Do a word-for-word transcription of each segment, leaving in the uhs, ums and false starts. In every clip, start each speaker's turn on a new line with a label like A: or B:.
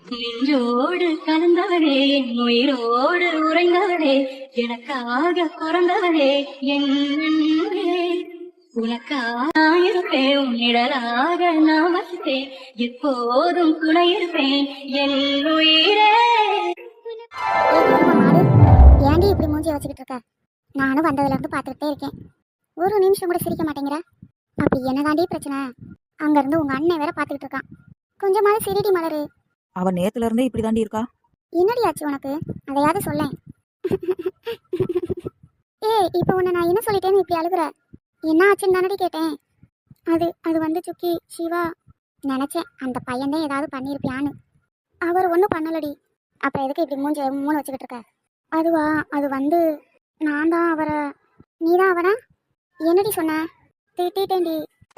A: நின்றோடு கலந்தவனே என் உயிரோடு உறைந்தவனே எனக்காக பிறந்தவனே என் அன்பே. உனக்காக இருப்பேன் உன்னிடலாக நான் வசித்தேன் எப்போதும் துணை இருப்பேன் என் உயிரே.
B: ஏண்டி இப்படி மூஞ்சி வச்சுக்கிட்டு இருக்க? நானும் வந்ததுல இருந்து பாத்துக்கிட்டே இருக்கேன். ஒரு நிமிஷம் கூட சிரிக்க மாட்டேங்கிற. அப்படி என்னதாண்டி பிரச்சனை? அங்க இருந்து உங்க அண்ணன் வேற பாத்துக்கிட்டு இருக்கான். கொஞ்சமாவது சிரிடி மலரு.
C: அவன் நேத்துல இருந்தே இப்படி தாண்டி இருக்கா.
B: என்னடி ஆச்சு உனக்கு? அதையாவது சொல்லேன். ஏய், இப்ப உன்னை நான் என்ன சொல்லிட்டேன்னு இப்படி அழுகுற? என்ன ஆச்சுன்னு தானடி கேட்டேன். அது அது வந்து சுக்கி சிவா, நினைச்சேன் அந்த பையன் தான் ஏதாவது பண்ணியிருப்பியான்னு. அவர் ஒன்றும் பண்ணலடி. அப்புறம் எதுக்கு இப்படி மூஞ்சி மூணு வச்சுக்கிட்டு இருக்க? அதுவா, அது வந்து நான் தான் அவரை. நீ தான் அவனா? என்னடி சொன்ன? திட்டேன்டி.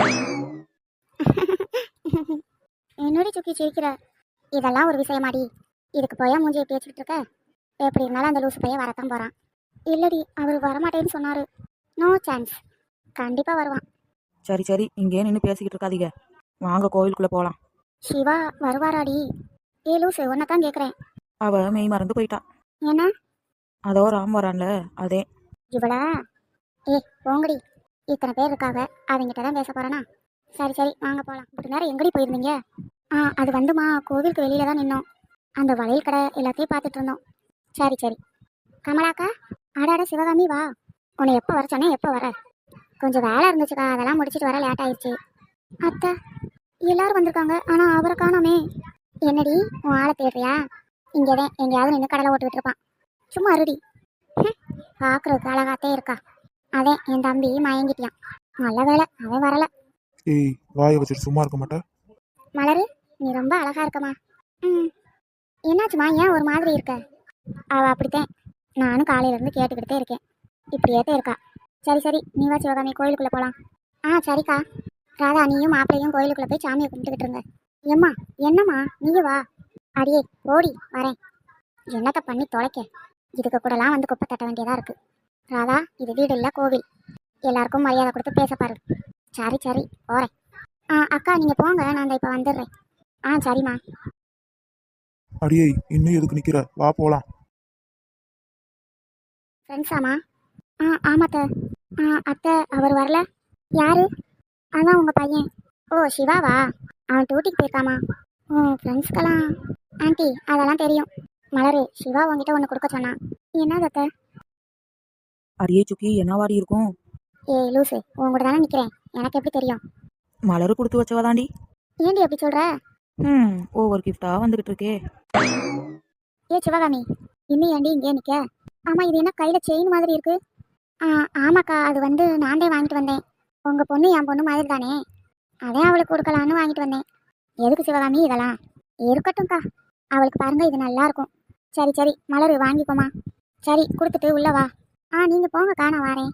B: என்னடி சுக்கி சிரிக்கிற? இதெல்லாம் ஒரு விஷயமாடி? இதுக்கு போயா மூஞ்சி எப்படி வச்சுக்கிட்டு இருக்க? எப்படி இருந்தாலும் அந்த லூசு பையன் வரத்தான் போறான். இல்லடி, அவர் வரமாட்டேன்னு சொன்னாரு. நோ சான்ஸ், கண்டிப்பா வருவான்.
C: சரி சரி, இங்கே நின்று பேசிக்கிட்டு இருக்காதீங்க, வாங்க கோவிலுக்குள்ள போலாம்.
B: சிவா வருவாராடி? ஏ லூசு, உன்னதான் கேக்குறேன்.
C: அவ மெய் மறந்து போயிட்டா.
B: என்ன?
C: அதோ ராம் வரான்ல, அதே.
B: இவளா? ஏ போங்கடி, இத்தனை பேர் இருக்காங்க, அவங்கிட்ட தான் பேச போறேனா? சரி சரி வாங்க போலாம். இப்படி நேரம் எங்கடி போயிருந்தீங்க? ஆ, அது வந்துமா, கோவிலுக்கு வெளியில தான் நின்னோம். அந்த வளையல் கடை எல்லாத்தையும் பார்த்துட்டு இருந்தோம். சரி சரி. கமலாக்கா, ஆடாட சிவகாமி வா. உன்னை எப்போ வர சொன்னேன், எப்போ வர? கொஞ்சம் வேலை இருந்துச்சுக்கா, அதெல்லாம் முடிச்சுட்டு வர லேட் ஆயிடுச்சு. அத்தை, எல்லாரும் வந்திருக்காங்க, ஆனா அவரை காணோமே. என்னடி உன் ஆளை தேடுறியா? இங்கேதான் எங்கேயாவது நின்று கடலை ஓட்டுக்கிட்டு இருப்பான். சும்மா அருடி. பார்க்குறதுக்கு அழகாத்தே இருக்கா. அதே என் தம்பி மயங்கிட்டியான். நல்ல வேலை அவன் வரல.
D: ஏய், வாயை வச்சுட்டு சும்மா இருக்க மாட்டேன்.
B: மலரு, நீ ரொம்ப அழகா இருக்கமா. ம், என்னாச்சுமா, ஏன் ஒரு மாதிரி இருக்க? அவ அப்படித்தான், நானும் காலையில இருந்து கேட்டுக்கிட்டே இருக்கேன். இப்படியேத்தே இருக்கா. சரி சரி, நீ வா சிவகாமி, கோயிலுக்குள்ள போலாம். ஆ சரிக்கா. ராதா, நீயும் மாப்பிள்ளையும் கோயிலுக்குள்ள போய் சாமியை கும்பிட்டுக்கிட்டு இருங்க. எம்மா, என்னம்மா, நீயும் வா. அடியே ஓடி வரேன். என்னத்தை பண்ணி தொலைக்க? இதுக்கு கூடலாம் வந்து குப்பை தட்ட வேண்டியதா இருக்கு. ராதா, இது வீடு இல்லை கோவில், எல்லாருக்கும் மரியாதை கொடுத்து பேச பாரு. சரி சரி போறேன். ஆ அக்கா, நீங்க போங்க, நான் இந்த இப்போ வந்துடுறேன். ஆ சரிம்மா.
D: அடியே, இன்னும் எதுக்கு நிக்கிற? வா போலாம்.
B: ஃப்ரெண்ட்ஸாம்மா? ஆ ஆமாத்த. ஆ அத்தை, அவர் வரல. யாரு? அதான் உங்க பையன். ஓ சிவாவா? அவன் டியூட்டிக்கு போயிருக்காமா. ஓ ஃப்ரெண்ட்ஸ்க்கெல்லாம். ஆண்டி அதெல்லாம் தெரியும். மலரு, சிவா உங்ககிட்ட ஒன்று கொடுக்க சொன்னான். என்ன அத்தை?
C: அரியே சுக்கி, என்னவாடி இருக்கும்?
B: ஏய் லூசு, உங்ககிட்ட தானே நிற்கிறேன், எனக்கு எப்படி தெரியும்?
C: மலரு கொடுத்து வச்சவதாண்டி.
B: ஏண்டி எப்படி சொல்ற?
C: ம் ஓவர் கிஃப்டா வந்துகிட்டு இருக்கே.
B: ஏ சிவகாமி, இன்னும் ஏண்டி இங்கே நிற்க? ஆமா, இது என்ன கையில் செயின் மாதிரி இருக்கு? ஆ ஆமாக்கா, அது வந்து நான் தான் வாங்கிட்டு வந்தேன். உங்க பொண்ணு என் பொண்ணு மாதிரி தானே, அதே அவளுக்கு கொடுக்கலான்னு வாங்கிட்டு வந்தேன். எதுக்கு சிவகாமி இதெல்லாம்? இருக்கட்டும்க்கா, அவளுக்கு பாருங்க, இது நல்லா இருக்கும். சரி சரி மலரு, வாங்கிக்கோமா. சரி கொடுத்துட்டு உள்ள வா. ஆ நீங்க போங்கக்கா, நான் வரேன்.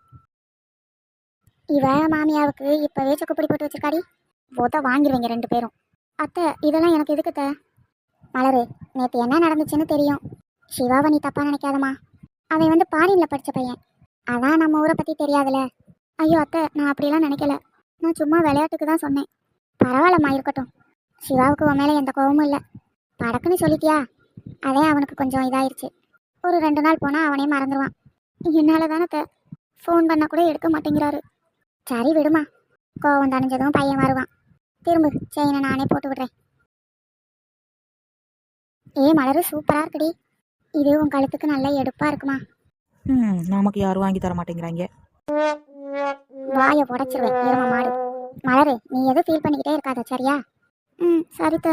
B: இவ மாமியாவுக்கு இப்பவே சொக்குப்பொடி போட்டு வச்சிருக்காடி. போத்தா வாங்கிடுவீங்க ரெண்டு பேரும். அத்தை, இதெல்லாம் எனக்கு எதுக்குத்த? மலரு, நேற்று என்ன நடந்துச்சுன்னு தெரியும். சிவாவை நீ தப்பா நினைக்காதம்மா. அவன் வந்து பாரின்ல படிச்ச பையன், அதான் நம்ம ஊரை பத்தி தெரியாதுல. ஐயோ அத்தை, நான் அப்படிலாம் நினைக்கல, நான் சும்மா விளையாட்டுக்கு தான் சொன்னேன். பரவாயில்லம்மா, இருக்கட்டும். சிவாவுக்கு உன் மேலே எந்த கோபமும் இல்லை. படக்குன்னு சொல்லிட்டியா, அதே அவனுக்கு கொஞ்சம் இதாயிருச்சு. ஒரு ரெண்டு நாள் போனால் அவனே மறந்துடுவான். என்னால் தானே ஃபோன் பண்ண கூட எடுக்க மாட்டேங்கிறாரு. சரி விடுமா, கோவம் தணிஞ்சதும் பையன் வருவான். திரும்ப செயினை நானே போட்டு விடுறேன். ஏ மலரு, சூப்பராக இருக்குடி. இது உன் கழுத்துக்கு நல்ல எடுப்பாக இருக்குமா.
C: ம் நமக்கு யாரும் வாங்கி தர மாட்டேங்கிறாங்க.
B: வாயை உடச்சிருவேன் எரும மாடு. மலரு, நீ எதுவும் ஃபீல் பண்ணிக்கிட்டே இருக்காத, சரியா? ம் சரித்த.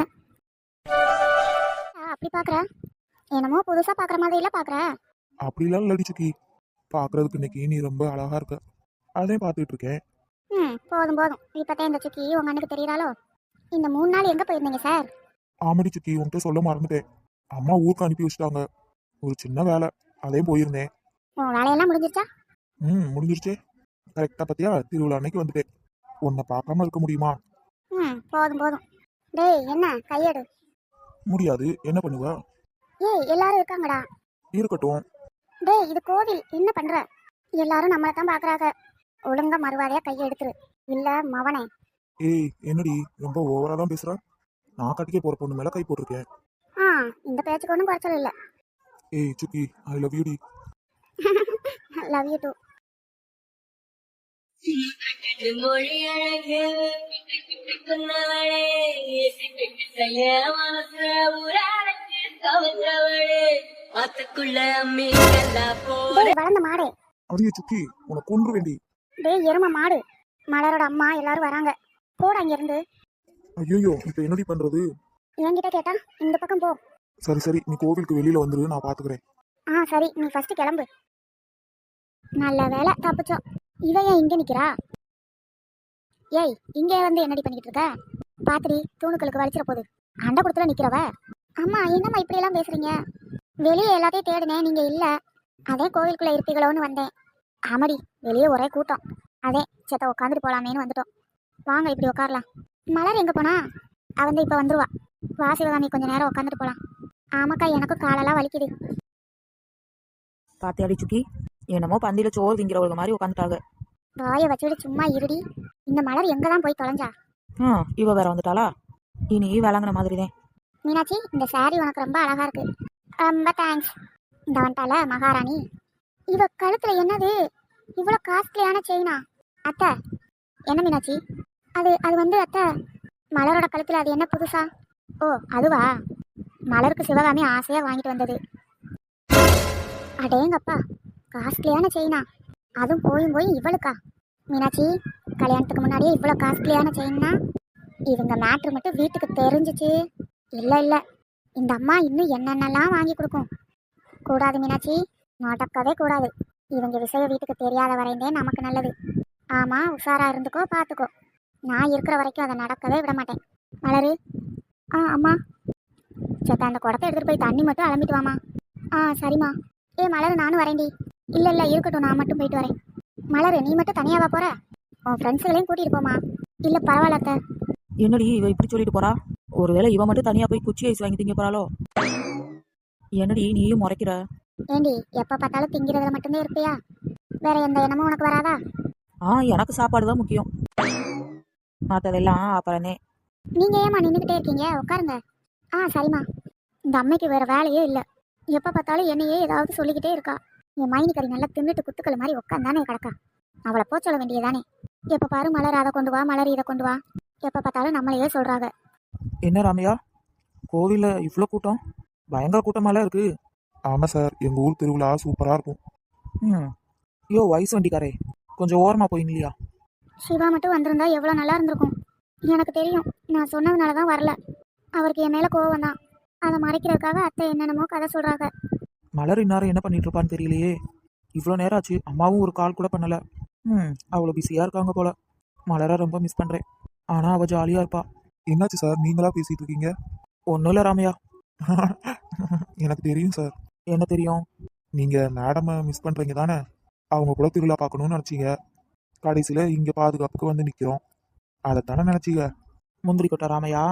B: அப்படி பார்க்குற? என்னமோ புதுசாக பார்க்குற மாதிரி இல்லை பார்க்குற.
D: அப்படிலாம் இல்லடி சுக்கி, பார்க்கறதுக்கு இன்னைக்கு நீ ரொம்ப அழகா இருக்க, அதே பார்த்துட்டு இருக்கேன்.
B: ம் போதும் போதும், இப்போதான் இந்த சுக்கி உங்க அண்ணனுக்கு தெரியுறாளோ? இந்த மூணு நாள் எங்கே போயிருந்தீங்க சார்?
D: ஆமாடி சுக்கி, உன்கிட்ட சொல்ல மறந்துட்டேன். அம்மா ஊருக்கு அனுப்பி வச்சுட்டாங்க, ஒரு சின்ன வேலை, அதே போயிருந்தேன்.
B: உன் வேலையெல்லாம் முடிஞ்சிருச்சா?
D: ம் முடிஞ்சிருச்சே, கரெக்டாக பார்த்தியா, திருவிழா அன்னைக்கு வந்துட்டேன். உன்னை பார்க்காம இருக்க முடியுமா?
B: ம் போதும் போதும். டேய் என்ன கையெடு.
D: முடியாது, என்ன பண்ணுவ?
B: ஏய் எல்லாரும் இருக்காங்கடா.
D: இருக்கட்டும்.
B: டேய் இது கோவில், என்ன பண்ற? எல்லாரும் நம்மளை தான் பார்க்குறாங்க. ஒழுங்கா மறுவாதையா கையை எடுத்துரு, இல்ல மவனே.
D: ஏய் என்னடி ரொம்ப ஓவரா தான் பேசுற? நான் கட்டிக்க போற பொண்ணு மேல கை போட்டிருக்கேன்.
B: ஆ இந்த பேச்சுக்கு ஒன்றும் குறைச்சல் இல்லை.
D: ஏய் சுக்கி, ஐ லவ் யூ டி.
B: Love you too.
A: மொழி அழகு சொன்னவளே, மனச ஊராளுக்கு கவர்ந்தவளே, ஆத்துக்குள்ள மீன்களா போ.
B: டேய் வளர்ந்த மாடே,
D: அடியே சுக்கி, உனக்கு கொன்று வேண்டி.
B: டேய் எரும மாடு, மலரோட அம்மா எல்லாரும் வராங்க, போட அங்க இருந்து.
D: ஐயோ, இப்ப என்னடி பண்றது?
B: என்கிட்ட கேட்டா இந்த பக்கம் போ.
D: சரி சரி, நீ கோவிலுக்கு வெளியில வந்துரு, நான் பாத்துக்கிறேன்.
B: ஆ சரி, நீ ஃபர்ஸ்ட் கிளம்பு. நல்ல வேலை தப்பிச்சோம். இவ ஏன் இங்க நிக்கிறா? ஏய், இங்கே வந்து என்னடி பண்ணிக்கிட்டு இருக்க? பாத்திரி தூணுக்களுக்கு வலிச்சிட போகுது. அண்ட குடத்துல நிக்கிறவ. அம்மா என்னம்மா இப்படி எல்லாம் பேசுறீங்க? வெளியே எல்லாத்தையும் தேடினேன், நீங்க இல்ல. அதே கோவிலுக்குள்ள இருப்பீங்களோன்னு வந்தேன். ஆமாடி, வெளியே ஒரே கூட்டம். அதே சேத்த உட்காந்துட்டு போலாமேன்னு வந்துட்டோம். வாங்க இப்படி உட்காரலாம். மலர் எங்க போனா? அவன் இப்ப வந்துருவா. வா சிவகாமி, கொஞ்ச நேரம் உட்காந்துட்டு போலாம். ஆமாக்கா, எனக்கும் காலெல்லாம் வலிக்குது.
C: பாத்தியாடி சுக்கி, என்னமோ பந்தியில சோறு திங்கிறவங்க மாதிரி உட்காந்துட்டாங்க.
B: வாயை வச்சுட்டு சும்மா இருடி. இந்த மலர் எங்கதான் போய் தொலைஞ்சா?
C: ஆ இவ வேற வந்துட்டாளா? இனி விளங்குன மாதிரி தான்.
B: மீனாட்சி, இந்த சாரி உனக்கு ரொம்ப அழகா இருக்கு. ரொம்ப தேங்க்ஸ். இந்த வந்துட்டால மகாராணி. இவ கழுத்துல என்னது இவ்வளோ காஸ்ட்லியான செயினா? அத்தை, என்ன மீனாட்சி? அது அது வந்து அத்தை, மலரோட கழுத்துல அது என்ன புதுசா? ஓ அதுவா? மலருக்கு சிவகாமி ஆசையா வாங்கிட்டு வந்தது. அடேங்கப்பா, காஸ்ட்லியான செயினா? அதுவும் போயும் போய் இவளுக்கா? மீனாட்சி, கல்யாணத்துக்கு முன்னாடியே இவ்வளோ காஸ்ட்லியான செயின்னா இவங்க மேட்ரு மட்டும் வீட்டுக்கு தெரிஞ்சிச்சு. இல்லை இல்லை, இந்த அம்மா இன்னும் என்னென்னலாம் வாங்கி கொடுக்கும். கூடாது மீனாட்சி, நடக்கவே கூடாது. இவங்க விஷயம் வீட்டுக்கு தெரியாத வரைந்தே நமக்கு நல்லது. ஆமாம், உஷாரா இருந்துக்கோ, பார்த்துக்கோ. நான் இருக்கிற வரைக்கும் அதை நடக்கவே விட மாட்டேன். மலரு. ஆ அம்மா. சத்த அந்த குடத்தை எடுத்துகிட்டு போய் தண்ணி மட்டும் அலம்பிட்டு வாமா. ஆ சரிம்மா. ஏ மலரு, நானும் வரேன்டி. இல்லை இல்லை இருக்கட்டும், நான் மட்டும் போயிட்டு வரேன். மலரு, நீ மட்டும் தனியாவா போற? உன் ஃப்ரெண்ட்ஸுகளையும் கூட்டிகிட்டு போமா. இல்லை பரவாயில்ல அத்தை.
C: என்னடி இவ இப்படி சொல்லிட்டு போறா? ஒருவேளை இவ மட்டும் தனியா போய் குச்சி ஐஸ் வாங்கி திங்க போறாளோ? என்னடி நீயும் முறைக்கிற?
B: ஏண்டி, எப்போ பார்த்தாலும் திங்கிறதுல மட்டும்தான் இருப்பியா? வேற எந்த எண்ணமும் உனக்கு வராதா?
C: ஆ எனக்கு சாப்பாடு தான் முக்கியம், மற்றதெல்லாம் அப்புறமே.
B: நீங்க ஏமா நின்றுக்கிட்டே இருக்கீங்க? உட்காருங்க. ஆ சரிம்மா. இந்த அம்மைக்கு வேற வேலையே இல்லை. எப்போ பார்த்தாலும் என்னையே ஏதாவது சொல்லிக்கிட்டே இருக்கா. என் மைனி கறி நல்லா தின்னுட்டு குத்துக்கள் மாதிரி உட்காந்தானே கிடக்கா. அவளை போ சொல்ல வேண்டியதானே. எப்போ பாரு மலர் அதை கொண்டு வா, மலர் இதை கொண்டு வா. எப்போ பார்த்தாலும் நம்மளையே சொல்றாங்க.
C: என்ன ராமையா, கோவில்ல இவ்வளோ கூட்டம்? பயங்கர கூட்டமாலாம் இருக்கு.
D: ஆமா சார், எங்க ஊர் திருவிழா சூப்பரா இருக்கும்.
C: ம் யோ வயசு வண்டிக்காரே, கொஞ்சம் ஓரமா போயிங்களையா?
B: சிவா மட்டும் வந்திருந்தா எவ்வளோ நல்லா இருந்திருக்கும். எனக்கு தெரியும், நான் சொன்னதுனால தான் வரல. அவருக்கு என் மேலே கோவம் தான். அதை மறைக்கிறதுக்காக அத்தை என்னென்னமோ கதை சொல்றாங்க.
C: மலர் இந்நேரம் என்ன பண்ணிட்டு இருப்பான்னு தெரியலையே. இவ்வளோ நேரம் ஆச்சு, அம்மாவும் ஒரு கால் கூட பண்ணல. ம் அவ்வளோ பிஸியாக இருக்காங்க போல. மலரை ரொம்ப மிஸ் பண்ணுறேன். ஆனால் அவள் ஜாலியாக இருப்பா.
D: என்னாச்சு சார், நீங்களா பேசிட்டு இருக்கீங்க?
C: ஒன்றும் இல்லை ராமையா.
D: எனக்கு தெரியும் சார்.
C: என்ன தெரியும்?
D: நீங்க மேடமை மிஸ் பண்றீங்க தானே? அவங்க கூட திருவிழா பார்க்கணும்னு நினைச்சீங்க. கடைசியில இங்க பாதுகாப்புக்கு வந்து நிக்கிறோம். அதைத்தானே நினைச்சீங்க?
C: முந்திரி கொட்டை ராமையா,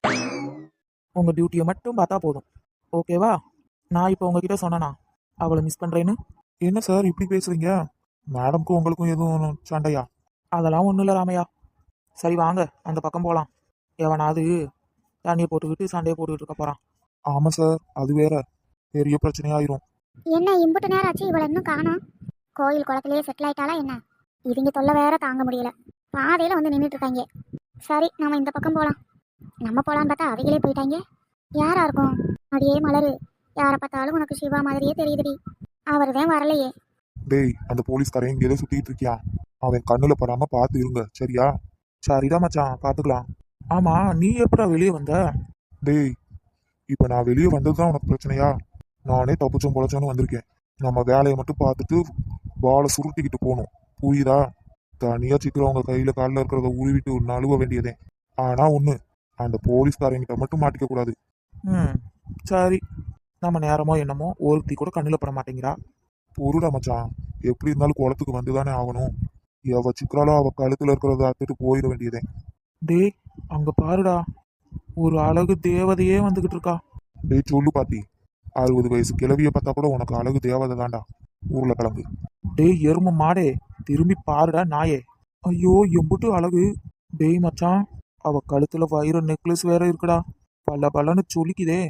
C: உங்கள் டியூட்டியை மட்டும் பார்த்தா போதும், ஓகேவா? நான் இப்போ உங்ககிட்ட சொன்னேனா அவளை மிஸ் பண்ணுறேன்னு?
D: என்ன சார் இப்படி பேசுறீங்க? மேடம்க்கும் உங்களுக்கும் எதுவும் சண்டையா?
C: அதெல்லாம் ஒன்றும் இல்லை ராமையா. சரி வாங்க, அந்த பக்கம் போகலாம். எவனாவது தண்ணியை போட்டுக்கிட்டு சண்டையை போட்டுக்கிட்டு இருக்க போகிறான்.
D: ஆமா சார், அது வேற பெரிய பிரச்சனையாயிரும்.
B: என்ன இம்புட்டு நேரம் ஆச்சு, இவளை இன்னும் காணோம்? கோயில் குளத்திலேயே செட்டில் ஆயிட்டாளா என்ன? இவங்க தொல்லை வேற தாங்க முடியல. பாதையில வந்து நின்றுட்டு இருக்காங்க. சரி, நம்ம இந்த பக்கம் போகலாம். நம்ம போகலான்னு பார்த்தா அவங்களே போயிட்டாங்க. யாரா இருக்கும்? அடியே மலரு, யாரை பார்த்தாலும் உனக்கு சிவா மாதிரியே தெரியுதுடி. அவர் தான் வரலையே.
D: டேய், அந்த போலீஸ்காரன் இங்கே சுத்திட்டு இருக்கியா? அவன் கண்ணுல படாம பார்த்து இருங்க, சரியா?
C: சரிதான் மச்சான், பார்த்துக்கலாம். ஆமா, நீ எப்படா வெளியே வந்த?
D: டேய், இப்ப நான் வெளியே வந்ததுதான் உனக்கு பிரச்சனையா? நானே தப்புச்சோம் பொழைச்சோன்னு வந்திருக்கேன். நம்ம வேலையை மட்டும் பார்த்துட்டு பாலை சுருட்டிக்கிட்டு போகணும், புரியுதா? தனியா சிக்கிறவங்க கையில காலில் இருக்கிறத உருவிட்டு நழுவ வேண்டியதே. ஆனா ஒண்ணு, அந்த போலீஸ்காரங்கிட்ட மட்டும் மாட்டிக்க கூடாது.
C: ம் சரி, நம்ம நேரமோ என்னமோ ஒருத்தி கூட கண்ணில் பட மாட்டேங்கிறா.
D: பொருடா மச்சான், எப்படி இருந்தாலும் குளத்துக்கு வந்துதானே ஆகணும். எவ சிக்கிறாளோ அவ கழுத்துல இருக்கிறத அத்துட்டு போயிட வேண்டியதே.
C: டேய் அங்க பாருடா, ஒரு அழகு தேவதையே வந்துகிட்டு இருக்கா.
D: டேய் சொல்லு பாட்டி, அறுபது வயசு கிழவிய பார்த்தா கூட உனக்கு அழகு தேவதை தாண்டா, உருளைக்கிழங்கு.
C: டேய் எரும மாடே, திரும்பி பாருடா நாயே. ஐயோ எம்புட்டு அழகு. டேய் மச்சான், அவ கழுத்துல வைர நெக்லஸ் வேற இருக்குடா, பல்ல பல்லன்னு சொல்லிக்குதே.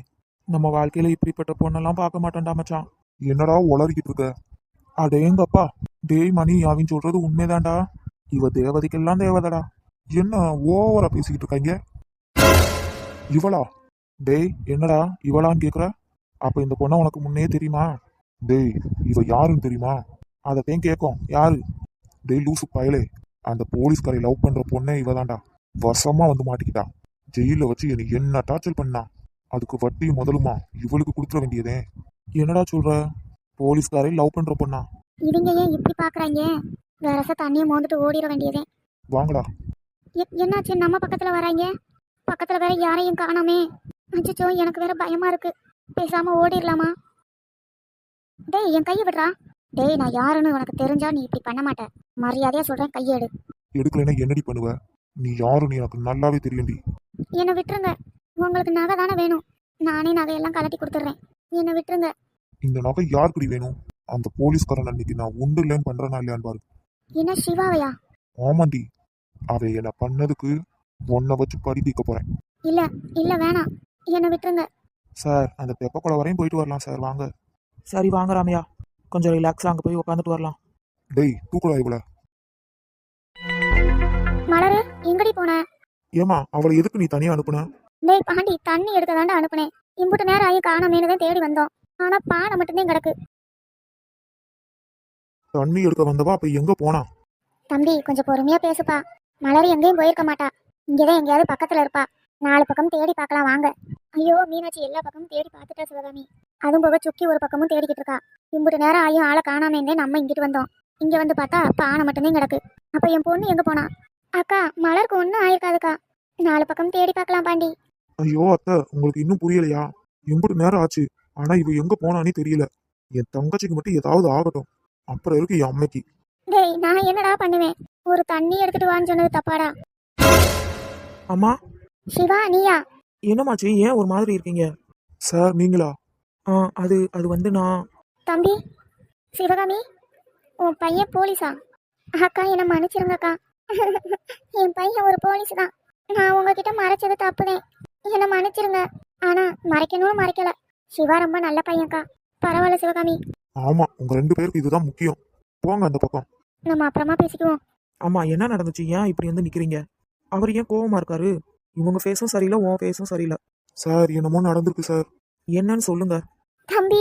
C: நம்ம வாழ்க்கையில இப்படிப்பட்ட பொண்ணெல்லாம் பார்க்க மாட்டேன்டா மச்சான்.
D: என்னடா உளறிக்கிட்டு இருக்க?
C: அடேங்கப்பா. டேய் மணி, அவன் சொல்றது உண்மைதான்டா. இவ தேவதைக்கெல்லாம் தேவதடா.
D: என்ன ஓவரா பேசிக்கிட்டு இருக்காங்க? இவளா?
C: டேய் என்னடா இவளான்னு கேக்குற? அப்ப இந்த பொண்ணை உனக்கு முன்னே தெரியுமா?
D: டேய் இவ யாருன்னு தெரியுமா?
C: அதத்தையும் கேட்கும். யாரு?
D: டேய் லூசு பயலே, அந்த போலீஸ்காரை லவ் பண்ற பொண்ணே இவதான்டா. வசமா வந்து மாட்டிக்கிட்டா. ஜெயில வச்சு என்னை என்ன டார்ச்சர் பண்ணா. அதுக்கு வட்டியும் முதலுமா இவளுக்கு கொடுத்துட வேண்டியதே.
C: என்னடா சொல்ற? போலீஸ்காரை லவ் பண்ற பொண்ணா?
B: இவங்க ஏன் இப்படி பாக்குறாங்க? வரச தண்ணியை மோந்துட்டு ஓடிட வேண்டியதே.
D: வாங்கடா.
B: எ- என்னாச்சு நம்ம பக்கத்துல வராங்க? பக்கத்துல வேற யாரையும் காணாமே. அச்சோ, எனக்கு வேற பயமா இருக்கு. பேசாம ஓடிடலாமா? டேய் என் கையை விடுறா. டேய் நான் யாருன்னு உனக்கு தெரிஞ்சா நீ இப்படி பண்ண மாட்ட. மரியாதையா சொல்றேன், கையை எடு.
D: எடுக்கலைன்னா என்னடி பண்ணுவ? நீ யாருன்னு எனக்கு நல்லாவே தெரியும்டி.
B: என்னை விட்டுருங்க. உங்களுக்கு நகை தானே வேணும். நானே நகையெல்லாம் கலட்டி கொடுத்துட்றேன். என்னை விட்டுருங்க.
D: இந்த நகை யாருக்குடி வேணும்? அந்த போலீஸ்காரன் அன்னைக்கு நான் உண்டு இல்லைன்னு பண்றேனா இல்லையான்னு பாரு.
B: என்ன சிவாவையா?
D: ஆமாண்டி, அவ என்ன பண்ணதுக்கு உன்னை வச்சு படி தீர்க்க போறேன்.
B: இல்ல இல்ல வேணாம், என்னை விட்டுருங்க.
C: சார் அந்த தெப்பக்குளம் வரையும் போயிட்டு வரலாம் சார், வாங்க. சரி வாங்க ராமையா, கொஞ்சம் ரிலாக்ஸாக அங்கே போய் உட்காந்துட்டு வரலாம்.
D: டேய் தூக்குடா இவள.
B: மலரு எங்கடி போன?
C: ஏமா அவளை எதுக்கு நீ தனியாக அனுப்புன?
B: டேய் பாண்டி, தண்ணி எடுக்க தாண்டா அனுப்புனேன். இம்புட்டு நேரம் ஆகி காணாமேனு தான் தேடி வந்தோம். ஆனா பானை மட்டும்தான் கிடக்கு.
C: தண்ணி எடுக்க வந்தவா அப்ப எங்க போனா?
B: தம்பி கொஞ்சம் பொறுமையா பேசுப்பா. மலர் எங்கேயும் போயிருக்க மாட்டா. இங்கதான் எங்கேயாவது பக்கத்துல இருப்பா. நாலு பக்கம் தேடி பார்க்கலாம் வாங்க. ஐயோ மீனாட்சி எல்லா பக்கமும் தேடி பார்த்துட்டா சிவகாமி. அதுவும் போக சுக்கி ஒரு பக்கமும் தேடிக்கிட்டு இருக்கா. இம்புட்டு நேரம் ஆகியும் ஆளை காணாமேந்தே நம்ம இங்கிட்டு வந்தோம். இங்க வந்து பார்த்தா பானை மட்டும்தான் கிடக்கு. அப்ப என் பொண்ணு எங்க போனா? அக்கா மலருக்கு ஒன்றும் ஆயிருக்காதுக்கா. நாலு பக்கம் தேடி பார்க்கலாம் பாண்டி.
C: ஐயோ அத்தை, உங்களுக்கு இன்னும் புரியலையா? எம்புட்டு நேரம் ஆச்சு, ஆனா இவ எங்க போனானே தெரியல. என் தங்கச்சிக்கு மட்டும் ஏதாவது ஆகட்டும், அப்புறம் இருக்கு என் அம்மைக்கு.
B: டேய் நான் என்னடா பண்ணுவேன்? ஒரு தண்ணி எடுத்துட்டு வான்னு சொன்னது தப்பாடா?
C: அம்மா.
B: சிவா நீயா?
C: என்னமாச்சு, ஏன் ஒரு மாதிரி இருக்கீங்க? சார் நீங்களா? ஆ அது அது வந்து நான்.
B: தம்பி சிவகாமி, உன் பையன் போலீஸா? அக்கா என்னை மன்னிச்சிருங்கக்கா. என் பையன் ஒரு போலீஸ் தான். நான் உங்ககிட்ட மறைச்சது தப்புதேன். என்னை மன்னிச்சிருங்க. ஆனா மறைக்கணும்னு மறைக்கல. சிவா ரொம்ப நல்ல பையன்க்கா. பரவாயில்ல சிவகாமி.
C: ஆமா, உங்க ரெண்டு பேருக்கு இதுதான் முக்கியம். போங்க அந்த பக்கம்.
B: நம்ம அப்புறமா பேசிக்குவோம்.
C: ஆமா, என்ன நடந்துச்சு? ஏன் இப்படி வந்து நிக்கிறீங்க? அவர் ஏன் கோவமா இருக்காரு? இவங்க ஃபேஸும் சரியில்லை, உன் ஃபேஸும் சரியில்லை. சார் என்னமோ நடந்திருக்கு சார். என்னன்னு சொல்லுங்க.
B: தம்பி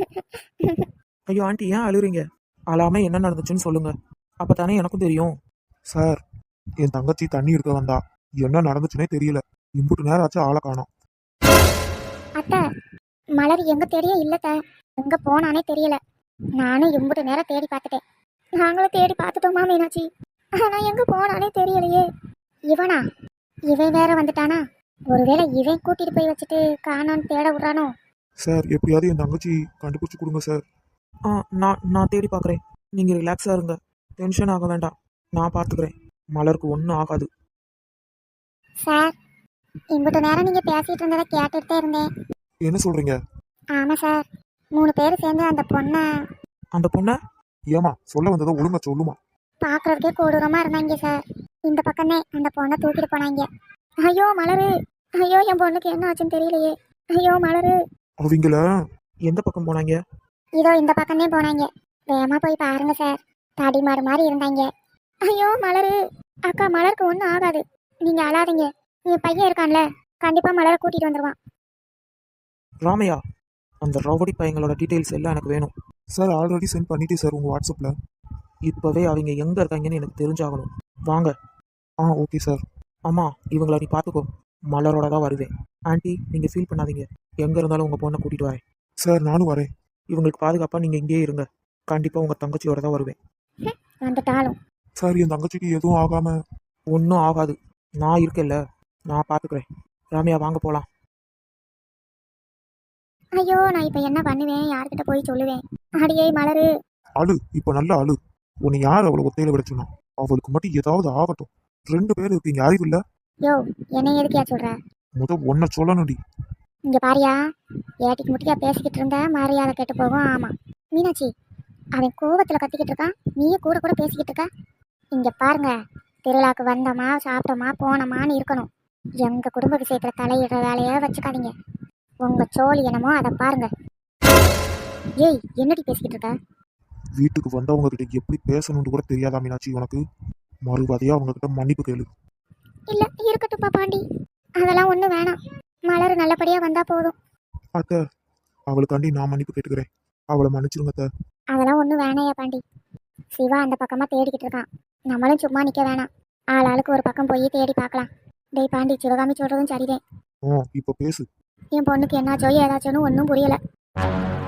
C: ஐயோ ஆண்டி, ஏன் அழுறீங்க? அழாம என்ன நடந்துச்சுன்னு சொல்லுங்க, அப்பதானே எனக்கும் தெரியும். சார், என் தங்கச்சி தண்ணி எடுக்க வந்தா, என்ன நடந்துச்சுன்னே தெரியல. இம்புட்டு நேரம் ஆச்சு, ஆளை காணோம்.
B: அத்தை, மலர் எங்க தேடியே இல்லத்த. எங்க போனானே தெரியல. நானும் இம்புட்டு நேரம் தேடி பார்த்துட்டேன். நாங்களும் தேடி பார்த்துட்டோமா மீனாட்சி? ஆனா எங்க போனானே தெரியலையே. இவனா? இவன் வேற வந்துட்டானா? ஒருவேளை இவன் கூட்டிட்டு போய் வச்சுட்டு காணான்னு தேட விடுறானோ?
C: சார் எப்படியாவது என் தங்கச்சி கண்டுபிடிச்சு கொடுங்க சார். ஆ நான் நான் தேடி பார்க்குறேன். நீங்கள் ரிலாக்ஸாக இருங்க, டென்ஷன் ஆக வேண்டாம், நான் பார்த்துக்கிறேன். மலருக்கு ஒன்றும் ஆகாது.
B: சார், இம்புட்டு நேரம் நீங்க பேசிட்டு இருந்ததை கேட்டுட்டு இருந்தேன்.
C: என்ன சொல்கிறீங்க?
B: ஆமா சார், மூணு பேர் சேர்ந்து அந்த பொண்ணை
C: அந்த பொண்ணை? ஏமா சொல்ல வந்ததை ஒழுங்கா சொல்லுமா.
B: பார்க்கறதுக்கே கொடூரமா இருந்தாங்க சார். இந்த பக்கமே அந்த பொண்ணை தூக்கிட்டு போனாங்க. ஐயோ மலரு, ஐயோ என் பொண்ணுக்கு என்ன ஆச்சுன்னு தெரியலையே. ஐயோ மலரு.
C: அவங்கள எந்த பக்கம் போனாங்க?
B: இதோ இந்த பக்கமே போனாங்க. வேகமா போய் பாருங்க சார். தடி மாடு மாதிரி இருந்தாங்க. ஐயோ மலரு. அக்கா மலருக்கு ஒன்றும் ஆகாது, நீங்க அழாதீங்க. என் பையன் இருக்கான்ல, கண்டிப்பா மலரை கூட்டிட்டு வந்துருவான்.
C: ராமையா, அந்த ரவுடி பையங்களோட டீட்டெயில்ஸ் எல்லாம் எனக்கு வேணும். சார் ஆல்ரெடி சென்ட் பண்ணிட்டேன் சார் உங்கள் வாட்ஸ்அப்பில். இப்போவே அவங்க எங்கே இருக்காங்கன்னு எனக்கு தெரிஞ்சாகணும். வாங்க. Ah okay sir. அம்மா இவங்கள நீ பார்த்துக்கோ, மலரோட தான் வருவேன். ஆண்டி நீங்கள் ஃபீல் பண்ணாதீங்க, எங்கே இருந்தாலும் உங்கள் பொண்ணை கூட்டிகிட்டு வரேன். சார் நானும் வரேன். இவங்களுக்கு பாதுகாப்பாக நீங்கள் இங்கேயே இருங்க, கண்டிப்பாக உங்கள் தங்கச்சியோட தான் வருவேன்.
B: வந்துட்டாலும்
C: சார் என் தங்கச்சிக்கு எதுவும் ஆகாமல். ஒன்றும் ஆகாது, நான் இருக்கேன்ல, நான் பார்த்துக்கிறேன். ராமையா வாங்க போகலாம்.
B: ஐயோ நான் இப்ப என்ன பண்ணுவேன்? யார்கிட்ட போய் சொல்லுவேன்? அடியே மலரு.
C: அழு, இப்போ நல்லா அழு. உன்னை யார் அவளை ஒத்தையில விட சொன்னா? அவளுக்கு மட்டும் ஏதாவது ஆகட்டும். ரெண்டு பேரும் இருக்கீங்க, அறிவு இல்ல?
B: யோ என்ன எதுக்கியா சொல்ற?
C: முத ஒன்ன சொல்லணும்டி.
B: இங்க பாரியா, ஏட்டிக்கு முட்டியா பேசிக்கிட்டு இருந்த மரியாதை கெட்டு போகும். ஆமா மீனாட்சி, அவன் கோவத்துல கத்திக்கிட்டு இருக்கான், நீயே கூட கூட பேசிக்கிட்டு இருக்க. இங்க பாருங்க, திருவிழாக்கு வந்தோமா சாப்பிட்டோமா போனோமான்னு இருக்கணும். எங்க குடும்ப விஷயத்துல தலையிடுற வேலையை வச்சுக்காதீங்க. உங்க சோழி என்னமோ அதை பாருங்க. ஏய் என்னடி பேசிக்கிட்டு இருக்க?
C: வீட்டுக்கு வந்தவங்க கிட்ட எப்படி பேசணும்னு கூட தெரியாதா மீனாட்சி உனக்கு? மறுவாதையா அவங்க கிட்ட மன்னிப்பு கேளு.
B: இல்ல இருக்கட்டும்ப்பா பாண்டி, அதெல்லாம் ஒன்றும் வேணாம். மலர் நல்லபடியா வந்தா போதும்.
C: அத்தை, அவளுக்காண்டி நான் மன்னிப்பு கேட்டுக்கிறேன். அவளை மன்னிச்சிருங்க அத்தை.
B: அதெல்லாம் ஒன்றும் வேணாயா பாண்டி. சிவா அந்த பக்கமா தேடிக்கிட்டு இருக்கான். நம்மளும் சும்மா நிக்க வேணாம். ஆள் ஆளுக்கு ஒரு பக்கம் போய் தேடி பார்க்கலாம். டேய் பாண்டி, சிவகாமி சொல்றதும் சரிதே.
C: ஆ இப்போ பேசு.
B: என் பொண்ணுக்கு என்னாச்சோ ஏதாச்சோன்னு ஒன்றும் புரியல.